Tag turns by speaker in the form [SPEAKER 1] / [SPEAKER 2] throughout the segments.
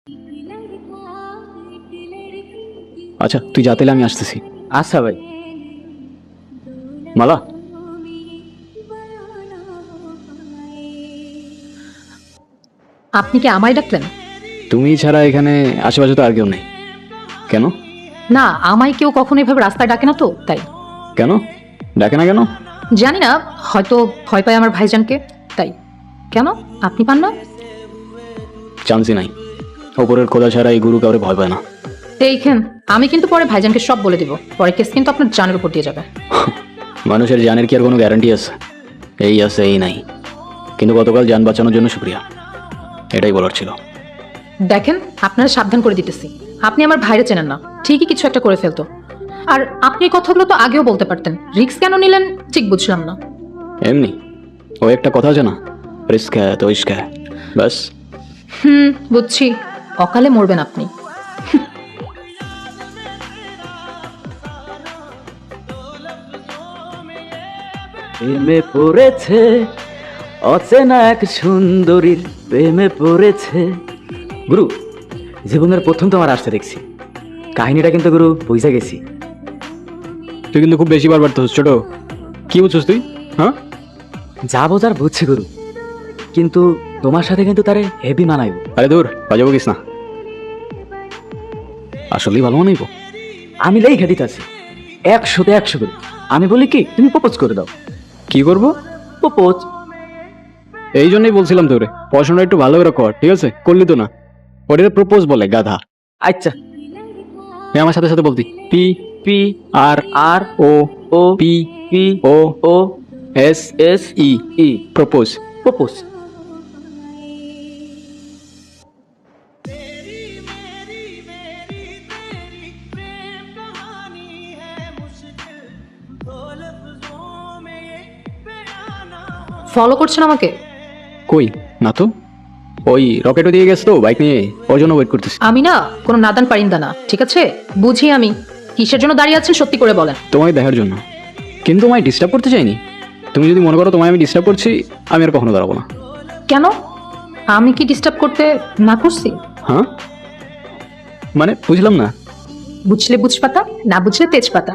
[SPEAKER 1] আচ্ছা তুই যা, তাহলে আমি আসতেছি।
[SPEAKER 2] আচ্ছা ভাই।
[SPEAKER 1] মালা,
[SPEAKER 3] আপনি কি আমায় ডাকলেন?
[SPEAKER 1] তুমি ছাড়া এখানে আশেপাশে তো আর কেউ নেই। কেন?
[SPEAKER 3] না, আমায় কেউ কখনো এভাবে রাস্তায় ডাকে না তো, তাই।
[SPEAKER 1] কেন ডাকে না কেন?
[SPEAKER 3] জানি না, হয়তো ভয় পায় আমার ভাইজানকে, তাই। কেন, আপনি পান না?
[SPEAKER 1] চান্সই নাই। ওপরের খোদা ছাড়া এই গুরু কাউরে ভয় পায় না।
[SPEAKER 3] এইখান, আমি কিন্তু পরে ভাইজানকে সব বলে দিব, পরে কেস কিন্তু আপনার জানের উপর দিয়ে যাবে।
[SPEAKER 1] মানুষের জানের কি আর কোনো গ্যারান্টি আছে? এই আছে এই নাই, কিন্তু গতকাল যান বাঁচানোর জন্য শুক্রিয়া, এটাই বলার ছিল।
[SPEAKER 3] দেখেন, আপনারা সাবধান করে দিতেছি, আপনি আমার ভাইরে চেনেন না, ঠিকই কিছু একটা করে ফেলতো। আর আপনি এই কথাগুলো তো আগেও বলতে পারতেন, রিস্ক কেন নিলেন ঠিক বুঝলাম না।
[SPEAKER 1] এমনি ও একটা কথা আছে না, রিস্ক হ্যায় তো ইশক হ্যায়, ব্যাস।
[SPEAKER 3] বুঝছি, অকালে মরবেন আপনি।
[SPEAKER 2] প্রেমে পড়েছে অচেনা এক সুন্দরীর, প্রেমে পড়েছে। গুরু, জীবনের প্রথম তোমার আসতে দেখছি, কাহিনীটা কিন্তু গুরু বুঝে গেছি।
[SPEAKER 1] তুই কিন্তু খুব বেশি বারবার তো ছোট, কি বুঝছিস তুই? হ্যাঁ,
[SPEAKER 2] যা বোঝার বুঝছি গুরু, কিন্তু তোমার সাথে কিন্তু তারে হেভি মানাইব।
[SPEAKER 1] আরে দূর, বাজাবো কিস না, আসলেই ভালো মানাইবো।
[SPEAKER 2] আমি লেখা দিতেছি 100-তে 100 গুরু। আমি বলি কি, তুমি প্রপোজ করে দাও।
[SPEAKER 1] কি করবো?
[SPEAKER 2] প্রপোজ।
[SPEAKER 1] এই জন্যই বলছিলাম তোরে পড়াশোনা একটু ভালো করে কর, ঠিক আছে? করলি তো না, ওটা প্রপোজ বলে, গাধা।
[SPEAKER 2] আচ্ছা,
[SPEAKER 1] আমার সাথে সাথে বলতি, P
[SPEAKER 2] P
[SPEAKER 1] R
[SPEAKER 2] R
[SPEAKER 1] O
[SPEAKER 2] O
[SPEAKER 1] P
[SPEAKER 2] P
[SPEAKER 1] O
[SPEAKER 2] O
[SPEAKER 1] S
[SPEAKER 2] S
[SPEAKER 1] E
[SPEAKER 2] E
[SPEAKER 1] propose.
[SPEAKER 2] Propose.
[SPEAKER 3] Follow করছেন আমাকে?
[SPEAKER 1] কই না তো, ওই রকেটও দিয়ে গেছে তো বাইক নিয়ে, ওর জন্য ওয়েট করতেছি।
[SPEAKER 3] আমি না কোনো নাদান পারিন্দা না, ঠিক আছে? বুঝি আমি, কিসের জন্য দাঁড়িয়ে আছেন সত্যি করে বলেন।
[SPEAKER 1] তোমায় দেখার জন্য, কিন্তু তোমায় ডিস্টার্ব করতে চাইনি। তুমি যদি মনে করো তোমায় আমি ডিস্টার্ব করছি, আমি আর কখনো দাঁড়াবো না।
[SPEAKER 3] কেন, আমি কি ডিস্টার্ব করতে না করছি?
[SPEAKER 1] হ্যাঁ মানে বুঝলাম না।
[SPEAKER 3] বুঝলে বুঝপাতা, না বুঝলে তেজপাতা।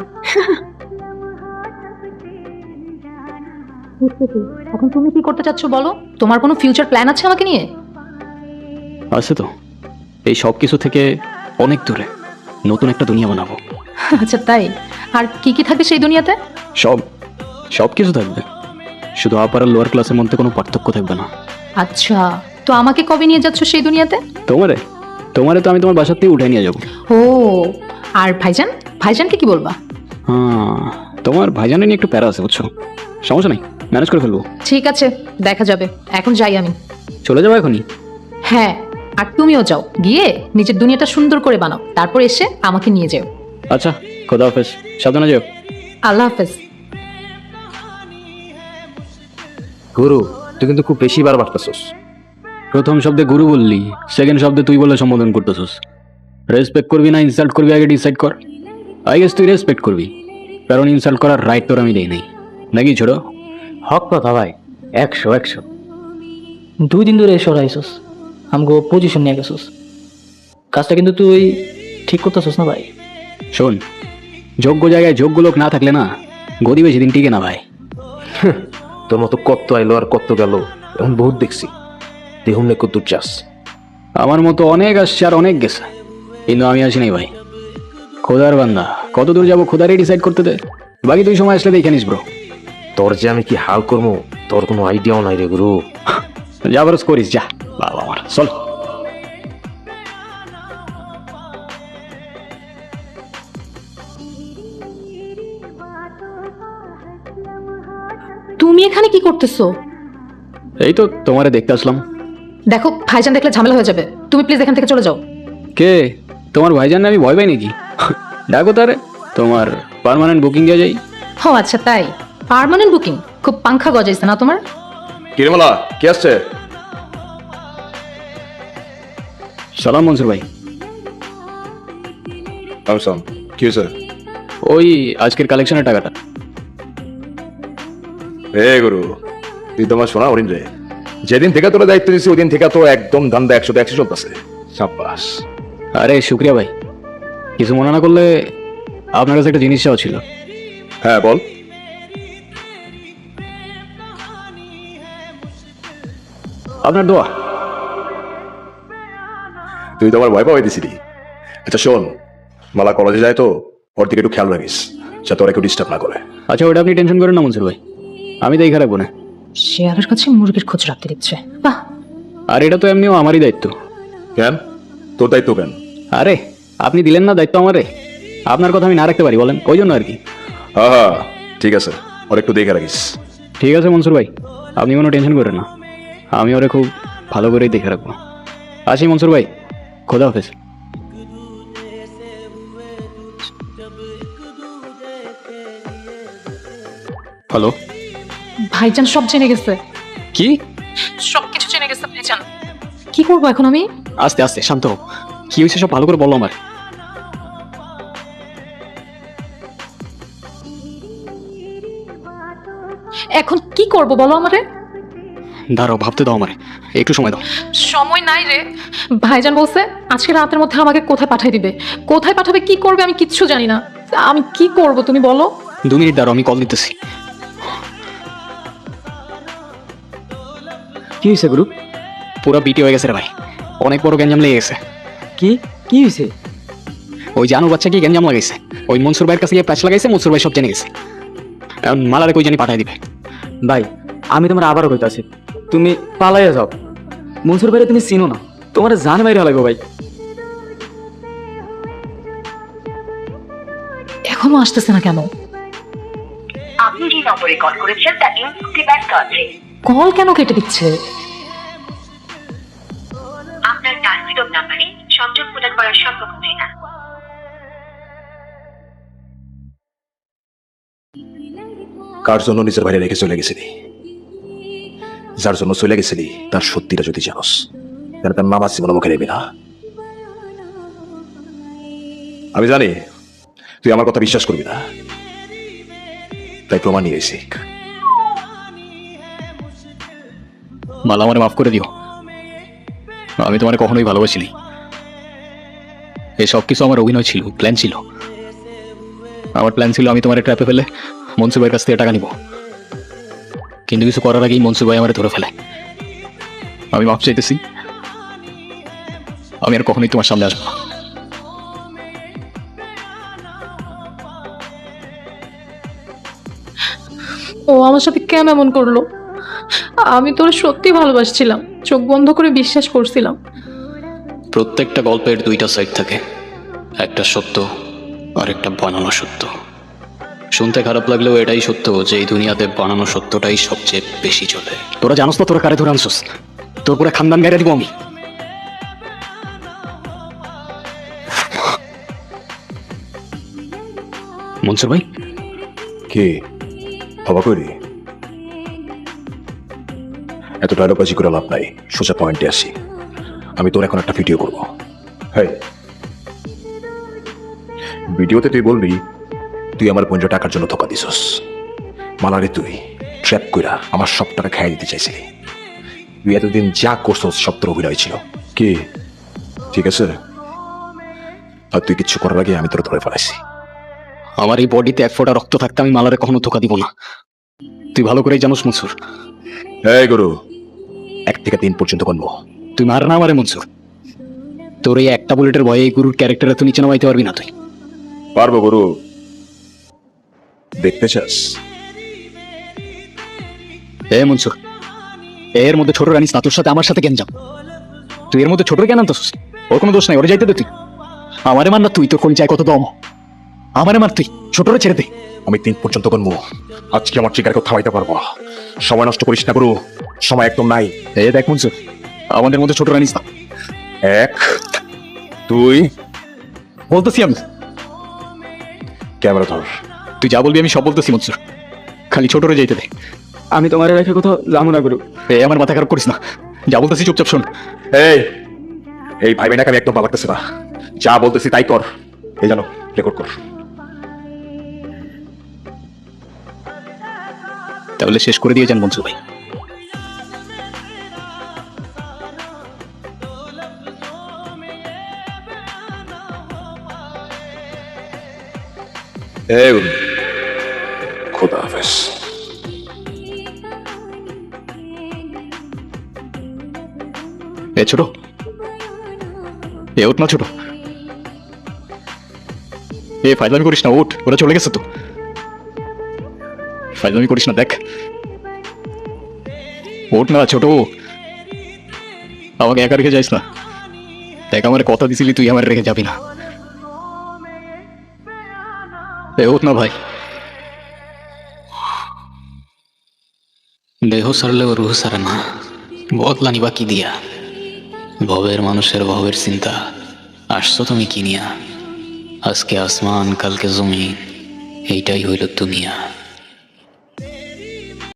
[SPEAKER 3] এখন তুমি কি করতে চাচ্ছ বলো? তোমার কোনো ফিউচার প্ল্যান আছে আমাকে নিয়ে?
[SPEAKER 1] আছে তো, এই সব কিছু থেকে অনেক দূরে নতুন একটা দুনিয়া বানাবো।
[SPEAKER 3] আচ্ছা তাই? আর কি কি থাকে সেই দুনিয়াতে?
[SPEAKER 1] সব সব কিছু থাকবে, শুধু আপার আর লোয়ার ক্লাসের মধ্যে কোনো পার্থক্য থাকবে না।
[SPEAKER 3] আচ্ছা, তো আমাকে কবে নিয়ে যাচ্ছ সেই দুনিয়াতে?
[SPEAKER 1] তোমারে তোমারে তো আমি তোমার বাসার থেকে উঠে নিয়ে যাবো।
[SPEAKER 3] ও, আর ভাইজান, ভাইজানকে কি বলবা?
[SPEAKER 1] হ্যাঁ, তোমার ভাইজানের নিয়ে একটু প্যারা আছে বুঝছো, সমস্যা নেই, ম্যানেজ করে ফেলবো।
[SPEAKER 3] ঠিক আছে, দেখা যাবে, এখন যাই আমি।
[SPEAKER 1] চলে যাবো এখনই?
[SPEAKER 3] হ্যাঁ, আর তুমিও যাও, গিয়ে নিজের দুনিয়াটা সুন্দর করে বানাও, তারপর এসে আমাকে নিয়ে যাও।
[SPEAKER 1] আচ্ছা, খোদা হাফেজ, সাবধানে যেও।
[SPEAKER 3] আল্লাহ হাফেজ।
[SPEAKER 4] গুরু, তুই কিন্তু খুব বেশি বার বাড়তেছস।
[SPEAKER 1] প্রথম শব্দে গুরু বললি, সেকেন্ড শব্দে তুই বলে সম্বোধন করতেছিস। রেসপেক্ট করবি না ইনসাল্ট করবি আগে ডিসাইড কর। আই গেস তুই রেসপেক্ট করবি, কারণ ইনসাল্ট করার রাইট তোর আমি দেই নাই, নাকি ছোট?
[SPEAKER 2] হক কথা ভাই, 100-100।
[SPEAKER 5] 2 দিন ধরে এসে আইসস, আমগো পজিশন নিয়ে গেছস, কাজটা কিন্তু তুই ঠিক করতেছস না ভাই।
[SPEAKER 1] শোন, যোগ্য জায়গায় যোগ্য লোক না থাকলে না গদি বেশি দিন টিকে না ভাই।
[SPEAKER 4] তোর মতো কত আইলো আর কত গেল, এখন বহুত দেখছি। দেখুন না কত চাস।
[SPEAKER 1] আমার মতো অনেক আসছে আর অনেক গেছে, কিন্তু আমি আসি নাই ভাই। খোদার বান্দা, কত দূর যাবো খোদারই ডিসাইড করতে দে, বাকি তুই সময় আসলে দেখে নিস ব্রো।
[SPEAKER 4] তোর যে আমি কি হাল করবো তোর কোনো আইডিয়াও নাই রে গুরু।
[SPEAKER 1] যা বরস করিস যা, বাবা আমার চল।
[SPEAKER 3] তুমি এখানে কি করতেছো?
[SPEAKER 1] এই তো তোমারে দেখতে আসলাম।
[SPEAKER 3] দেখো, ভাইজান দেখলে ঝামেলা হয়ে যাবে, তুমি প্লিজ এখান থেকে চলে যাও।
[SPEAKER 1] কে? তোমার ভাইজান না আমি ভয় পাই নাকি? ডাকো তারে, তোমার পার্মানেন্ট বুকিং দিয়ে যাই।
[SPEAKER 3] ও আচ্ছা তাই, পার্মানেন্ট বুকিং? খুব পাংখা গজাইছে না তোমার?
[SPEAKER 4] কিরমলা কে আসছে?
[SPEAKER 1] সালাম মনসুর ভাই।
[SPEAKER 4] আমসাম, কি হয়েছে?
[SPEAKER 1] ওই আজকের কালেকশনের টাকাটা।
[SPEAKER 4] রে গুরু, তুই তোমার শোনা হরিণ রে। যেদিন থেকে তোরা দায়িত্ব নিচ্ছি ওই দিন থেকে তো একদম ধান্দা 100-100 চলতেছে। সাব্বাস।
[SPEAKER 1] আরে শুক্রিয়া ভাই, কিছু মনে না করলে আপনার কাছে একটা জিনিস চাওয়া ছিল।
[SPEAKER 6] হ্যাঁ বল।
[SPEAKER 1] আপনার দোয়া।
[SPEAKER 6] তুই তো আমার ভয় পাওয়াই দিছিলি। আচ্ছা শোন, মালা কলেজে যায় তো, ওর দিকে একটু খেয়াল রাখিস যাতে ওরা কেউ ডিস্টার্ব না করে।
[SPEAKER 1] আচ্ছা ওটা আপনি টেনশন করেন না মনসুর ভাই, আমি দেখে রাখবো না।
[SPEAKER 3] শেয়ালের কাছে মুরগির খোঁজ রাখতে দিচ্ছে, বাহ।
[SPEAKER 1] আর এটা তো এমনিও আমারই দায়িত্ব।
[SPEAKER 6] কেন তোর দায়িত্ব কেন?
[SPEAKER 1] আরে আপনি দিলেন না দায়িত্ব আমারে, আপনার কথা আমি না রাখতে পারি বলেন, ওই জন্য আর কি।
[SPEAKER 6] হ্যাঁ হ্যাঁ ঠিক আছে, ওর একটু দেখে রাখিস।
[SPEAKER 1] ঠিক আছে মনসুর ভাই, আপনি কোনো টেনশন করেন না, আমি ওরে খুব ভালো করেই দেখে রাখবো। আসি মনসুর ভাই, খোদা হাফেজ। হ্যালো।
[SPEAKER 3] ভাইজান সব জেনে গেছে,
[SPEAKER 1] কি?
[SPEAKER 3] সবকিছু জেনে গেছে ভাইজান। কি করবো এখন আমি?
[SPEAKER 1] আস্তে আস্তে শান্ত হোক, কি হয়েছে সব ভালো করে বলো আমার।
[SPEAKER 3] এখন কি করব বলো আমারে।
[SPEAKER 1] দাঁড়াও ভাবতে দাও আমারে, একটু সময় দাও।
[SPEAKER 3] সময় নাই রে, ভাইজান বলছে আজকে রাতের মধ্যে আমাকে কোথায় পাঠিয়ে দিবে, কোথায় পাঠাবে কি করবে আমি কিচ্ছু জানি না। আমি কি করব তুমি বলো।
[SPEAKER 1] 2 মিনিট দাঁড়াও, আমি কল দিতেছি।
[SPEAKER 2] কি হয়েছে গুরু?
[SPEAKER 1] পুরো বিটি হয়ে গেছে রে ভাই, অনেক বড় গ্যাঞ্জাম লেগে গেছে।
[SPEAKER 2] কি কি হয়েছে?
[SPEAKER 1] ওই জানু বাচ্চা কি গ্যাঞ্জাম লাগাইছে, ওই মনসুর ভাইয়ের কাছে গিয়ে প্যাচ লাগাইছে, মনসুর ভাই সব জেনে গেছে। এখন মালারে কই জানি পাঠাই দিবে।
[SPEAKER 2] ভাই আমি তোমার আবারও কইতাছি, তুমি পালাইয়া যাও। মনসুর ভাইরে তুমি চিনো না, তোমার জান মাইরা লাগবে ভাই।
[SPEAKER 3] এখনো আসতেছে না কেন?
[SPEAKER 7] আপনি যে নম্বরে কল করেছেন তা এই মুহূর্তে ব্যস্ত আছে।
[SPEAKER 3] কল কেন কেটে দিচ্ছে?
[SPEAKER 7] আপনার টার্গেট নাম্বারে সংযোগ প্রদান করা সম্ভব হচ্ছে না।
[SPEAKER 6] কার জন্য নিজের বাইরে রেখে চলে গেছিলি, যার জন্য চলে গেছিলি তার সত্যিটা যদি জানোস, তাহলে তার নামাজ জীবন মুখে নেবি না। আমি জানি তুই আমার কথা বিশ্বাস করবি না, তাই প্রমাণ নিয়ে এসেছি।
[SPEAKER 1] মালা আমারে মাফ করে দিও, আমি তোমারে কখনোই ভালোবাসিনি। এই সব কিছু আমার অভিনয় ছিল, প্ল্যান ছিল। আমার প্ল্যান ছিল আমি তোমার ট্র্যাপে ফেলে মনসুর ভাইয়ের কাছ থেকে টাকা নিব, কিন্তু কিছু করার আগেই মনসুর ভাই আমারে ধরে ফেলে। আমি মাফ চাইতেছি, আমি আর কখনোই তোমার সামনে আসবো না।
[SPEAKER 3] ও আমার সাথে কেন এমন করলো? আমি তোর সত্যি ভালোবাসছিলাম, চোখ বন্ধ করে বিশ্বাস করছিলাম।
[SPEAKER 1] প্রত্যেকটা গল্পের 2টা সাইড থাকে, একটা সত্য আর একটা বানানো সত্য। শুনতে খারাপ লাগলেও এটাই সত্য যে এই দুনিয়াতে বানানো সত্যটাই সবচেয়ে বেশি চলে। তোরা জানোস না তোরা কারে ধরে আনছস, তোর পুরো খানদান গাইরা দিব আমি। মনসুর ভাই,
[SPEAKER 6] কে হবা করি? এত ডায়লগবাজি করে লাভ নাই, সোজা পয়েন্টে আসি। আমি তোর এখন একটা ভিডিও করবো। হ্যাঁ, ভিডিওতে তুই বলবি তুই আমার বোনকে টাকার জন্য ধোকা দিছস। মালারে তুই ট্র্যাপ কইরা আমার সব টাকা খাইয়ে দিতে চাইছিলি। তুই এতদিন যা করছস সব তোর অভিনয় ছিল। কি ঠিক আছে? আর তুই কিচ্ছু করার আগে আমি তোর ধরে ফেলাইছি।
[SPEAKER 1] আমার এই বডিতে 1 ফোঁটা রক্ত থাকতে আমি মালারে কখনো ধোকা দিব না, তুই ভালো করেই জানোস মনসুর।
[SPEAKER 6] এই গুরু, 1 থেকে 3 পর্যন্ত গণবো।
[SPEAKER 1] তুই মার না আমারে মনসুর, তোর এই একটা বুলেটের ভয়ে এই গুরুর ক্যারেক্টারে তুই নিচে নামাইতে পারবি না। তুই
[SPEAKER 6] পারবো গুরু, দেখতে চাস?
[SPEAKER 1] এ মনসুর, এর মধ্যে ছোট রানিস না, তোর সাথে আমার সাথে কেন যাব? তুই এর মধ্যে ছোট কেন আনতেছিস? ওর কোনো দোষ নাই, ওরে যাইতে দে। তুই আমারে মার না, তুই তোর কোন চাই কত দম, আমারে মার, তুই ছোটরে ছেড়ে দে।
[SPEAKER 6] আমি 3 পর্যন্ত গণবো। আজকে আমার ট্রিগারকে থামাইতে পারবো। সময় নষ্ট করিস না গুরু, সময় একদম নাই।
[SPEAKER 1] এ দেখ মনসুর, আমাদের মধ্যে ছোট রানিস না।
[SPEAKER 6] 1 2
[SPEAKER 1] বলতেছি আমি,
[SPEAKER 6] ক্যামেরা ধর।
[SPEAKER 1] তুই যা বলবি আমি সব বলতেছি মনসুর, খালি ছোটরে যাইতে দে।
[SPEAKER 2] আমি তোমার রেখে কোথাও যাবো না গুরু।
[SPEAKER 1] এ আমার মাথা খারাপ করিস না, যা বলতেছি চুপচাপ শোন।
[SPEAKER 6] এই ভাই বোনাকে আমি একদম ভালো লাগতেছে না, যা বলতেছি তাই কর। এই জানো, রেকর্ড কর।
[SPEAKER 1] তাহলে শেষ করে দিয়ে যান মনসুর ভাই।
[SPEAKER 6] এই খোদা হাফেজ।
[SPEAKER 8] এ ছোট, এ ওঠ না ছোট, এ ফাইজলামি করিস না, ওঠ, ওরা চলে গেছে তো। ফাইজলামি করিস না, দেখ, ওঠ না ছোট, আমাকে একা রেখে যাইস না। দেখ আমার কথা দিছিলি তুই আমার রেখে যাবি না। এ ওঠ না ভাই।
[SPEAKER 1] দেহ সারলেও রুহ সারে না, বদলানি বাকি দিয়া। ভবের মানুষের ভবের চিন্তা, আসছো তুমি কি নিয়া? আজকে আসমান কালকে জমিন, এইটাই হইল দুনিয়া।